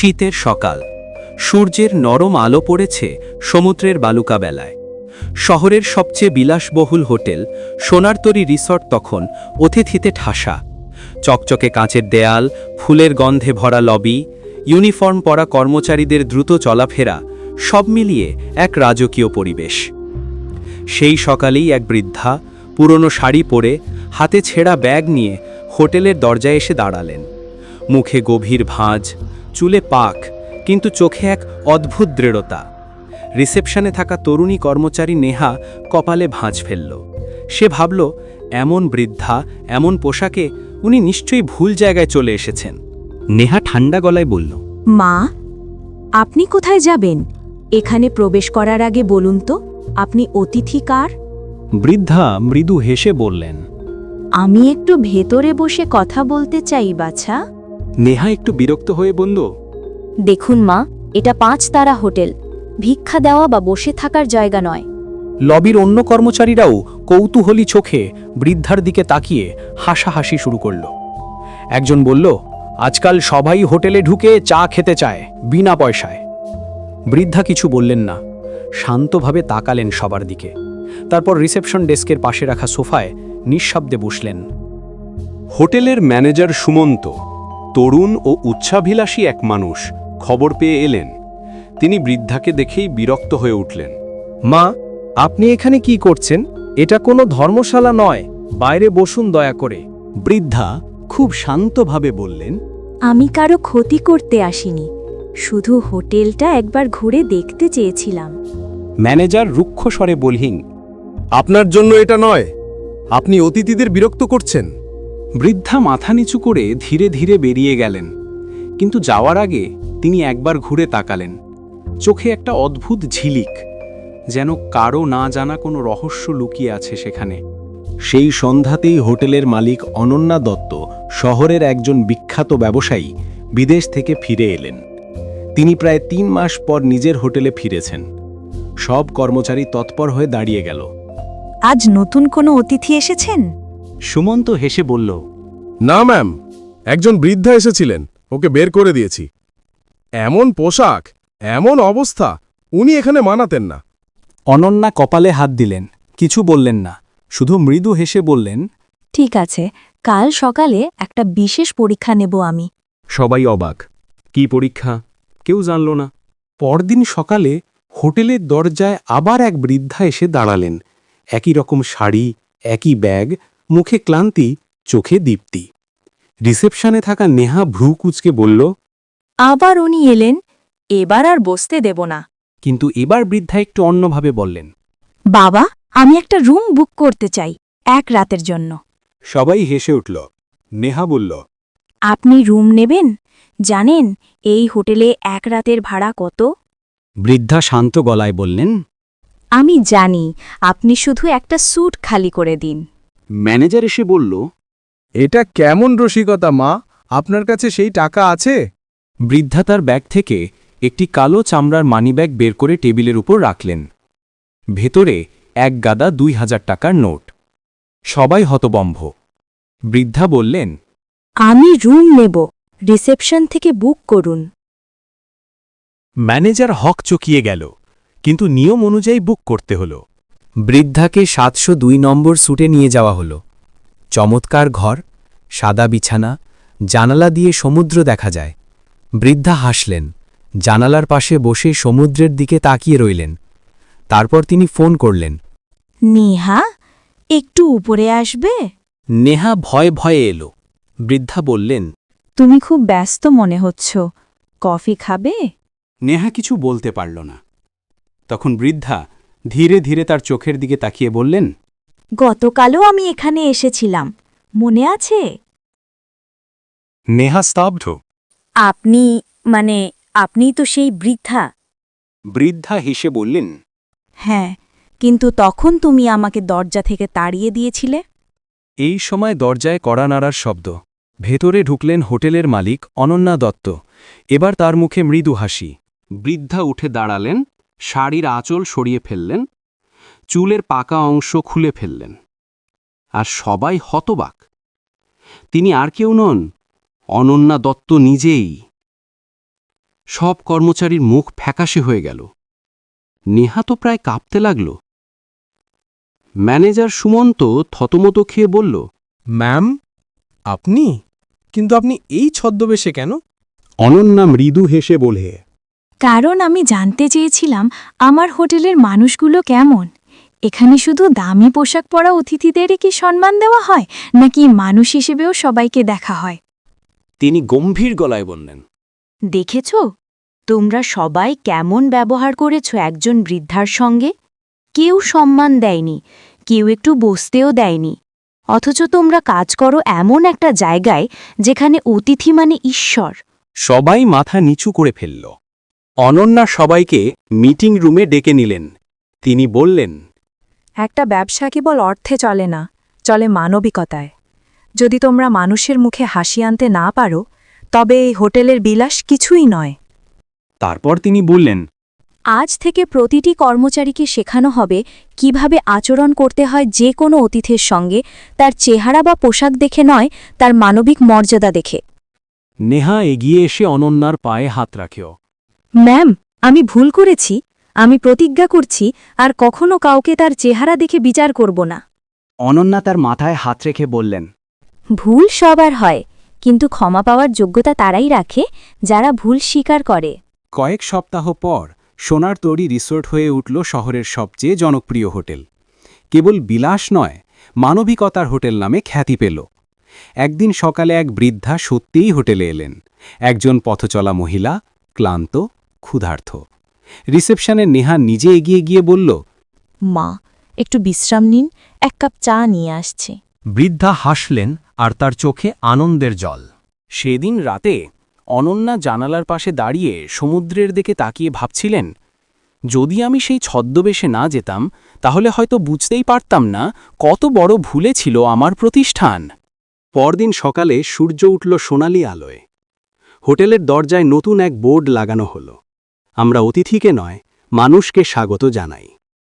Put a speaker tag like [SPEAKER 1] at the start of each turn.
[SPEAKER 1] শীতের সকাল, সূর্যের নরম আলো পড়েছে সমুদ্রের বালুকা বেলায়। শহরের সবচেয়ে বিলাসবহুল হোটেল সোনারতরী রিসর্ট তখন অতিথিতে ঠাসা। চকচকে কাঁচের দেয়াল, ফুলের গন্ধে ভরা লবি, ইউনিফর্ম পরা কর্মচারীদের দ্রুত চলাফেরা, সব মিলিয়ে এক রাজকীয় পরিবেশ। সেই সকালেই এক বৃদ্ধা পুরনো শাড়ি পরে হাতে ছেঁড়া ব্যাগ নিয়ে হোটেলের দরজায় এসে দাঁড়ালেন। মুখে গভীর ভাঁজ, চুলে পাক, কিন্তু চোখে এক অদ্ভুত দৃঢ়তা। রিসেপশনে থাকা তরুণী কর্মচারী নেহা কপালে ভাঁজ ফেলল। সে ভাবল, এমন বৃদ্ধা, এমন পোশাকে উনি নিশ্চয়ই ভুল জায়গায় চলে এসেছেন। নেহা ঠান্ডা গলায় বলল,
[SPEAKER 2] মা, আপনি কোথায় যাবেন? এখানে প্রবেশ করার আগে বলুন তো, আপনি অতিথি কার?
[SPEAKER 1] বৃদ্ধা মৃদু হেসে বললেন।
[SPEAKER 2] আমি একটু ভেতরে বসে কথা বলতে চাই বাছা।
[SPEAKER 1] নেহা একটু বিরক্ত হয়ে বলল,
[SPEAKER 2] দেখুন মা, এটা 5 তারা হোটেল, ভিক্ষা দেওয়া বা বসে থাকার জায়গা নয়।
[SPEAKER 1] লবির অন্য কর্মচারীরাও কৌতূহলী চোখে বৃদ্ধার দিকে তাকিয়ে হাসাহাসি শুরু করল। একজন বলল, আজকাল সবাই হোটেলে ঢুকে চা খেতে চায়, বিনা পয়সায়। বৃদ্ধা কিছু বললেন না, শান্তভাবে তাকালেন সবার দিকে। তারপর রিসেপশন ডেস্কের পাশে রাখা সোফায় নিঃশব্দে বসলেন।
[SPEAKER 3] হোটেলের ম্যানেজার সুমন্ত, তরুণ ও উচ্চাভিলাষী এক মানুষ, খবর পেয়ে এলেন। তিনি বৃদ্ধাকে দেখেই বিরক্ত হয়ে উঠলেন।
[SPEAKER 4] মা, আপনি এখানে কি করছেন? এটা কোনো ধর্মশালা নয়, বাইরে বসুন দয়া করে।
[SPEAKER 1] বৃদ্ধা খুব শান্তভাবে বললেন,
[SPEAKER 2] আমি কারো ক্ষতি করতে আসিনি, শুধু হোটেলটা একবার ঘুরে দেখতে চেয়েছিলাম।
[SPEAKER 1] ম্যানেজার রুক্ষ স্বরে বললেন,
[SPEAKER 4] আপনার জন্য এটা নয়, আপনি অতিথিদের বিরক্ত করছেন।
[SPEAKER 1] বৃদ্ধা মাথা নিচু করে ধীরে ধীরে বেরিয়ে গেলেন। কিন্তু যাওয়ার আগে তিনি একবার ঘুরে তাকালেন। চোখে একটা অদ্ভুত ঝিলিক, যেন কারো না জানা কোনো রহস্য লুকিয়ে আছে সেখানে। সেই সন্ধ্যাতেই হোটেলের মালিক অনন্যা দত্ত, শহরের একজন বিখ্যাত ব্যবসায়ী, বিদেশ থেকে ফিরে এলেন। তিনি প্রায় 3 মাস পর নিজের হোটেলে ফিরেছেন। সব কর্মচারী তৎপর হয়ে দাঁড়িয়ে গেল।
[SPEAKER 2] আজ নতুন কোনো অতিথি এসেছেন?
[SPEAKER 1] সুমন্ত হেসে বলল,
[SPEAKER 4] না ম্যাম, একজন বৃদ্ধা এসেছিলেন, ওকে বের করে দিয়েছি। এমন পোশাক, এমন অবস্থা, উনি এখানে মানাতেন না।
[SPEAKER 1] অনন্যা কপালে হাত দিলেন, কিছু বললেন না, শুধু মৃদু হেসে বললেন,
[SPEAKER 2] ঠিক আছে, কাল সকালে একটা বিশেষ পরীক্ষা নেব আমি।
[SPEAKER 3] সবাই অবাক। কি পরীক্ষা? কেউ জানল না।
[SPEAKER 1] পরদিন সকালে হোটেলের দরজায় আবার এক বৃদ্ধা এসে দাঁড়ালেন। একই রকম শাড়ি, একই ব্যাগ, মুখে ক্লান্তি, চোখে দীপ্তি। রিসেপশনে থাকা নেহা ভ্রু কুঁচকে বলল,
[SPEAKER 2] আবার উনি এলেন, এবার আর বসতে দেব না।
[SPEAKER 1] কিন্তু এবার বৃদ্ধা একটু অন্যভাবে বললেন।
[SPEAKER 2] বাবা, আমি একটা রুম বুক করতে চাই, 1 রাতের জন্য।
[SPEAKER 3] সবাই হেসে উঠল। নেহা বলল,
[SPEAKER 2] আপনি রুম নেবেন? জানেন এই হোটেলে 1 রাতের ভাড়া কত?
[SPEAKER 1] বৃদ্ধা শান্ত গলায় বললেন।
[SPEAKER 2] আমি জানি, আপনি শুধু একটা স্যুট খালি করে দিন।
[SPEAKER 1] ম্যানেজার এসে বলল,
[SPEAKER 4] এটা কেমন রসিকতা মা, আপনার কাছে সেই টাকা আছে?
[SPEAKER 1] বৃদ্ধা তার ব্যাগ থেকে একটি কালো চামড়ার মানিব্যাগ বের করে টেবিলের উপর রাখলেন। ভেতরে এক গাদা 2000 টাকার নোট। সবাই হতবম্ব। বৃদ্ধা বললেন,
[SPEAKER 2] আমি রুম নেব, রিসেপশন থেকে বুক করুন।
[SPEAKER 1] ম্যানেজার হক চকিয়ে গেল, কিন্তু নিয়ম অনুযায়ী বুক করতে হল। বৃদ্ধাকে 702 নম্বর স্যুটে নিয়ে যাওয়া হল। চমৎকার ঘর, সাদা বিছানা, জানালা দিয়ে সমুদ্র দেখা যায়। বৃদ্ধা হাসলেন, জানালার পাশে বসে সমুদ্রের দিকে তাকিয়ে রইলেন। তারপর তিনি ফোন করলেন।
[SPEAKER 2] নেহা, একটু উপরে আসবে?
[SPEAKER 1] নেহা ভয়ে ভয়ে এলো। বৃদ্ধা বললেন,
[SPEAKER 2] তুমি খুব ব্যস্ত মনে হচ্ছ, কফি খাবে?
[SPEAKER 1] নেহা কিছু বলতে পারল না। তখন বৃদ্ধা ধীরে ধীরে তার চোখের দিকে তাকিয়ে বললেন,
[SPEAKER 2] গতকালও আমি এখানে এসেছিলাম, মনে আছে?
[SPEAKER 3] নেহা স্তব্ধ।
[SPEAKER 2] আপনি তো সেই বৃদ্ধা।
[SPEAKER 1] বৃদ্ধা হেসে বললেন,
[SPEAKER 2] হ্যাঁ, কিন্তু তখন তুমি আমাকে দরজা থেকে তাড়িয়ে দিয়েছিলে।
[SPEAKER 1] এই সময় দরজায় কড়া নাড়ার শব্দ। ভেতরে ঢুকলেন হোটেলের মালিক অনন্যা দত্ত। এবার তার মুখে মৃদু হাসি। বৃদ্ধা উঠে দাঁড়ালেন, শাড়ির আঁচল সরিয়ে ফেললেন, চুলের পাকা অংশ খুলে ফেললেন। আর সবাই হতবাক। তিনি আর কেউ নন, অনন্যা দত্ত নিজেই।
[SPEAKER 3] সব কর্মচারীর মুখ ফ্যাকাশে হয়ে গেল। নেহা তো প্রায় কাঁপতে লাগল। ম্যানেজার সুমন্ত থতমত খেয়ে বলল,
[SPEAKER 5] ম্যাম, আপনি? কিন্তু আপনি এই ছদ্মবেশে কেন?
[SPEAKER 3] অনন্যা মৃদু হেসে বলে,
[SPEAKER 2] কারণ আমি জানতে চেয়েছিলাম আমার হোটেলের মানুষগুলো কেমন। এখানে শুধু দামি পোশাক পরা অতিথিদেরই কি সম্মান দেওয়া হয়, নাকি মানুষ হিসেবেও সবাইকে দেখা হয়?
[SPEAKER 3] তিনি গম্ভীর গলায় বললেন,
[SPEAKER 2] দেখেছ, তোমরা সবাই কেমন ব্যবহার করেছ একজন বৃদ্ধার সঙ্গে। কেউ সম্মান দেয়নি, কেউ একটু বসতেও দেয়নি। অথচ তোমরা কাজ করো এমন একটা জায়গায় যেখানে অতিথি মানে ঈশ্বর।
[SPEAKER 3] সবাই মাথা নিচু করে ফেলল। অনন্যা সবাইকে মিটিং রুমে ডেকে নিলেন। তিনি বললেন,
[SPEAKER 6] একটা ব্যবসা কেবল অর্থে চলে না, চলে মানবিকতায়। যদি তোমরা মানুষের মুখে হাসি আনতে না পারো, তবে এই হোটেলের বিলাস কিছুই নয়।
[SPEAKER 3] তারপর তিনি বললেন,
[SPEAKER 2] আজ থেকে প্রতিটি কর্মচারীকে শেখানো হবে কিভাবে আচরণ করতে হয় যে কোনো অতিথির সঙ্গে, তার চেহারা বা পোশাক দেখে নয়, তার মানবিক মর্যাদা দেখে।
[SPEAKER 3] নেহা এগিয়ে এসে অনন্যার পায়ে হাত রাখেও।
[SPEAKER 2] ম্যাম, আমি ভুল করেছি। আমি প্রতিজ্ঞা করছি আর কখনো কাউকে তার চেহারা দেখে বিচার করব না।
[SPEAKER 1] অনন্যা তার মাথায় হাত রেখে বললেন,
[SPEAKER 2] ভুল সবার হয়, কিন্তু ক্ষমা পাওয়ার যোগ্যতা তারাই রাখে যারা ভুল স্বীকার করে।
[SPEAKER 1] কয়েক সপ্তাহ পর সোনার তরী রিসোর্ট হয়ে উঠল শহরের সবচেয়ে জনপ্রিয় হোটেল। কেবল বিলাস নয়, মানবিকতার হোটেল নামে খ্যাতি পেল। একদিন সকালে এক বৃদ্ধা সত্যিই হোটেলে এলেন। একজন পথচলা মহিলা, ক্লান্ত, ক্ষুধার্ত। রিসেপশনে নেহা নিজে এগিয়ে গিয়ে বলল,
[SPEAKER 2] মা, একটু বিশ্রাম নিন, এক কাপ চা নিয়ে আসছে।
[SPEAKER 1] বৃদ্ধা হাসলেন আর তার চোখে আনন্দের জল।
[SPEAKER 3] সেদিন রাতে অনন্যা জানালার পাশে দাঁড়িয়ে সমুদ্রের দিকে তাকিয়ে ভাবছিলেন, যদি আমি সেই ছদ্মবেশে না যেতাম তাহলে হয়তো বুঝতেই পারতাম না কত বড় ভুলে ছিল আমার প্রতিষ্ঠান। পরদিন সকালে সূর্য উঠল সোনালি আলোয়। হোটেলের দরজায় নতুন এক বোর্ড লাগানো হলো, আমরা অতিথিকে নয়, মানুষকে স্বাগত জানাই।